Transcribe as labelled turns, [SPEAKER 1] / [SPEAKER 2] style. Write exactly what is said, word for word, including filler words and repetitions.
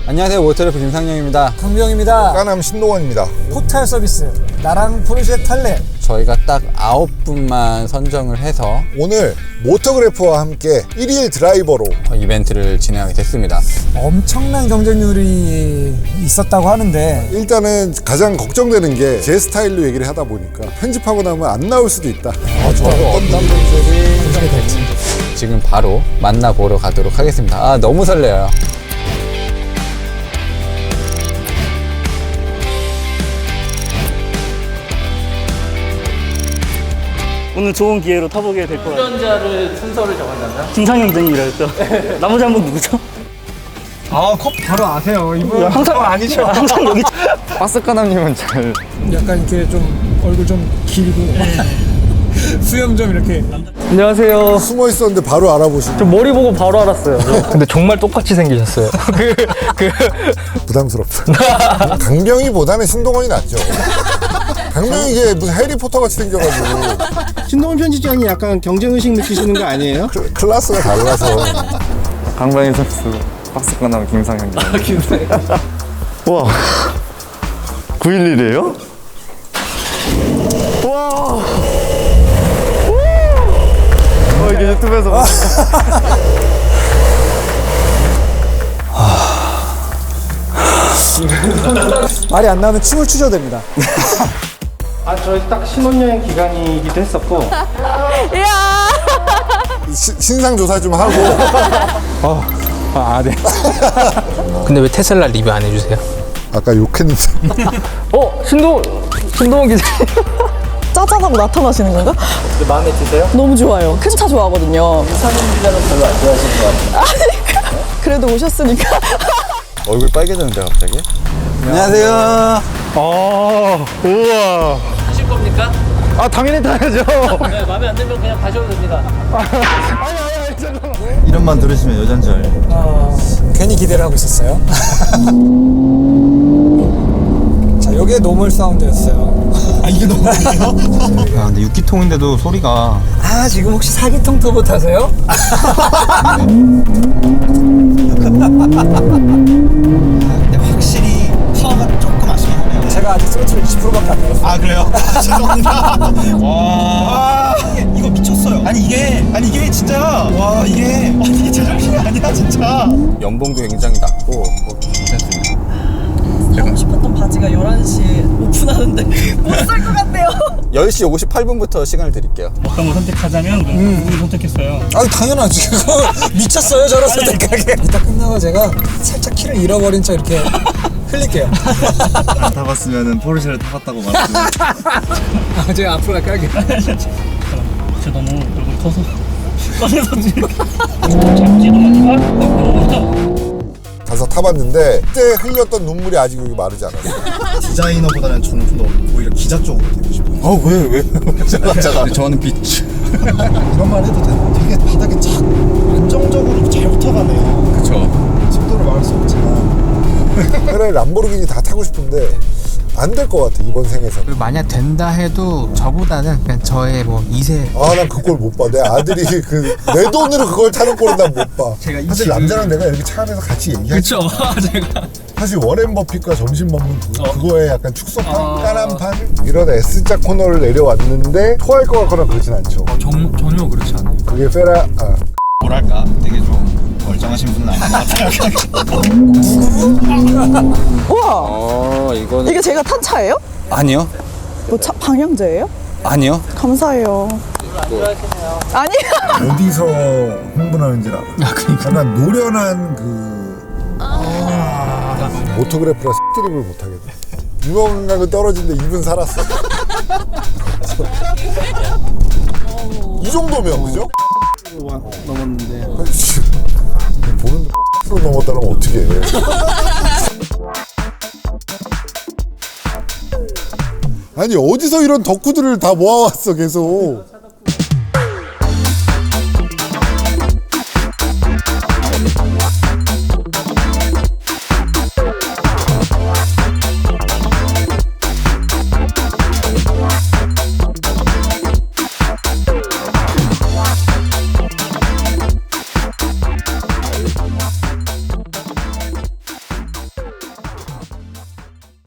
[SPEAKER 1] 안녕하세요. 모터래프 김상영입니다.
[SPEAKER 2] 강병입니다.
[SPEAKER 3] 까남 신동원입니다.
[SPEAKER 2] 포탈 서비스 나랑 포르쉐 탈래.
[SPEAKER 1] 저희가 딱 아홉 분만 선정을 해서
[SPEAKER 3] 오늘 모터그래프와 함께 일일 드라이버로
[SPEAKER 1] 이벤트를 진행하게 됐습니다.
[SPEAKER 2] 엄청난 경쟁률이 있었다고 하는데
[SPEAKER 3] 일단은 가장 걱정되는 게 제 스타일로 얘기를 하다 보니까 편집하고 나면 안 나올 수도 있다.
[SPEAKER 1] 아, 저도 어떤 분들이
[SPEAKER 2] 어떻게 될지.
[SPEAKER 1] 지금 바로 만나보러 가도록 하겠습니다. 아, 너무 설레요.
[SPEAKER 4] 오늘 좋은 기회로 타보게 될 것 같아요.
[SPEAKER 5] 운전자를 순서를 정한다면?
[SPEAKER 4] 김상현 등이라 했죠. 나머지 한 분 누구죠?
[SPEAKER 2] 아, 컵 바로 아세요. 이분
[SPEAKER 4] 항상 아니죠. 항상 여기.
[SPEAKER 1] 박스카남님은 잘
[SPEAKER 2] 약간 이렇게 좀 얼굴 좀 길고 수염 좀 이렇게.
[SPEAKER 4] 안녕하세요.
[SPEAKER 3] 숨어 있었는데 바로 알아보시고
[SPEAKER 4] 저 머리 보고 바로 알았어요. 근데 정말 똑같이 생기셨어요. 그, 그.
[SPEAKER 3] 부담스럽다. 강병이보다는 신동원이 낫죠. 강병이 이게 무슨 해리포터 같이 생겨가지고
[SPEAKER 6] 신동원 편집장이 약간 경쟁의식 느끼시는 거 아니에요?
[SPEAKER 3] 클- 클래스가 달라서.
[SPEAKER 7] 강병희 선수 박스권하면 김상현입니다. 아, 김상현. 와, 구일일이에요? 와. 어, 이게 유튜브에서 봐.
[SPEAKER 2] 말이 안 나오면 춤을 추셔도 됩니다.
[SPEAKER 6] 아, 저희 딱 신혼여행 기간이기도 했었고
[SPEAKER 3] 시- 신상 조사 좀 하고.
[SPEAKER 8] 아, 네. 근데 왜 테슬라 리뷰 안 해주세요?
[SPEAKER 3] 아까 욕했는데.
[SPEAKER 4] 어, 신동, 신동원 기자.
[SPEAKER 9] 짜잔하고 나타나시는 건가?
[SPEAKER 5] 마음에 드세요?
[SPEAKER 9] 너무 좋아요. 큰 차 좋아하거든요.
[SPEAKER 5] 상현 기자는 별로 안 좋아하시는 것 같아요.
[SPEAKER 9] 그래도 오셨으니까.
[SPEAKER 1] 얼굴 빨개졌는데 갑자기? 안녕하세요.
[SPEAKER 7] 아, 우와.
[SPEAKER 5] 하실 겁니까?
[SPEAKER 7] 아, 당연히 타야죠.
[SPEAKER 5] 네, 마음에 안 들면 그냥 가셔도 됩니다.
[SPEAKER 7] 이름만 들으시면 여잔 줄 알죠.
[SPEAKER 2] 괜히 기대를 하고 있었어요. 자, 요게 노멀 사운드였어요. 아, 이게 노멀이에요?
[SPEAKER 8] 야, 근데 육 기통인데도 소리가.
[SPEAKER 2] 아, 지금 혹시 사기통 터보 타세요?
[SPEAKER 6] 근데 확실히 파워가 조금 아쉽긴 하네요.
[SPEAKER 2] 제가 아직 스로틀 이십 퍼센트밖에 안 내렸어요.
[SPEAKER 6] 아, 그래요? 죄송합니다. 와, 이거 미쳤어요. 아니 이게 아니 이게 진짜 와 이게 아니 이게 제정신이 아니야 진짜.
[SPEAKER 1] 연봉도 굉장히 낮고 뭐 괜찮습니다.
[SPEAKER 9] 하고 싶었던 바지가 열한 시에 오픈하는데 못 살 것 같네요.
[SPEAKER 1] 열 시 오십팔 분부터 시간을 드릴게요.
[SPEAKER 4] 어떤 걸 선택하자면 누구 선택했어요?
[SPEAKER 2] 아, 당연하지. 미쳤어요, 저런 선택하게. 이따 끝나고 제가 살짝 키를 잃어버린 척 이렇게 흘릴게요.
[SPEAKER 7] 안 타봤으면 포르쉐를 타봤다고 말씀.
[SPEAKER 2] 아, 제가 앞으로 갈게요.
[SPEAKER 4] 저 너무 얼굴 커서. 꺼내서 지금. 잡지도 많이 봐? 너무부터.
[SPEAKER 3] 가서 타봤는데 그때 흘렸던 눈물이 아직 여기 마르지 않았어요.
[SPEAKER 6] 디자이너보다는 저는 좀 더 오히려 기자 쪽으로 되고 싶어요.
[SPEAKER 3] 아, 왜, 왜?
[SPEAKER 1] 근데 저는 비추.
[SPEAKER 6] 이런 말 해도 되나? 되게 바닥에 착 안정적으로 잘 붙어가네요.
[SPEAKER 1] 그쵸.
[SPEAKER 6] 속도를 말할 수 없지만.
[SPEAKER 3] 그래, 람보르기니 다 타고 싶은데 안 될 것 같아, 이번 생에서는.
[SPEAKER 8] 그리고 만약 된다 해도 저보다는 그냥 저의 뭐 이 세.
[SPEAKER 3] 아, 난 그걸 못 봐. 내 아들이 그 내 돈으로 그걸 타는 꼴은 난 못 봐. 사실 남자랑 내가 이렇게 차 안에서 같이 얘기하지.
[SPEAKER 2] 그쵸, 제가.
[SPEAKER 3] 사실 워렌 버핏과 점심 먹는 그, 그거에 약간 축소판, 까란판 이런 S자 코너를 내려왔는데 토할 것 같거나 그러진 않죠.
[SPEAKER 8] 전, 전혀 그렇지 않아요.
[SPEAKER 3] 그게 페라, 아,
[SPEAKER 6] 뭐랄까 되게 좀 멀쩡하신 분은 아닌 것 같아요.
[SPEAKER 9] 우와,
[SPEAKER 1] 어, 이거는.
[SPEAKER 9] 이게 제가 탄 차예요?
[SPEAKER 1] 아니요.
[SPEAKER 9] 뭐 차, 방향제예요?
[SPEAKER 1] 아니요.
[SPEAKER 9] 감사해요. 아니,
[SPEAKER 3] 어디서 흥분하는지 알아. 약간 노련한 그 모토그래프라 드립을 못하겠네. 유명감은 떨어진데 입은 살았어. 이 정도면 그죠?
[SPEAKER 6] 넘었는데.
[SPEAKER 3] 보는데 프로 넘었다면 어떻게 해. 아니 어디서 이런 덕후들을 다 모아왔어 계속.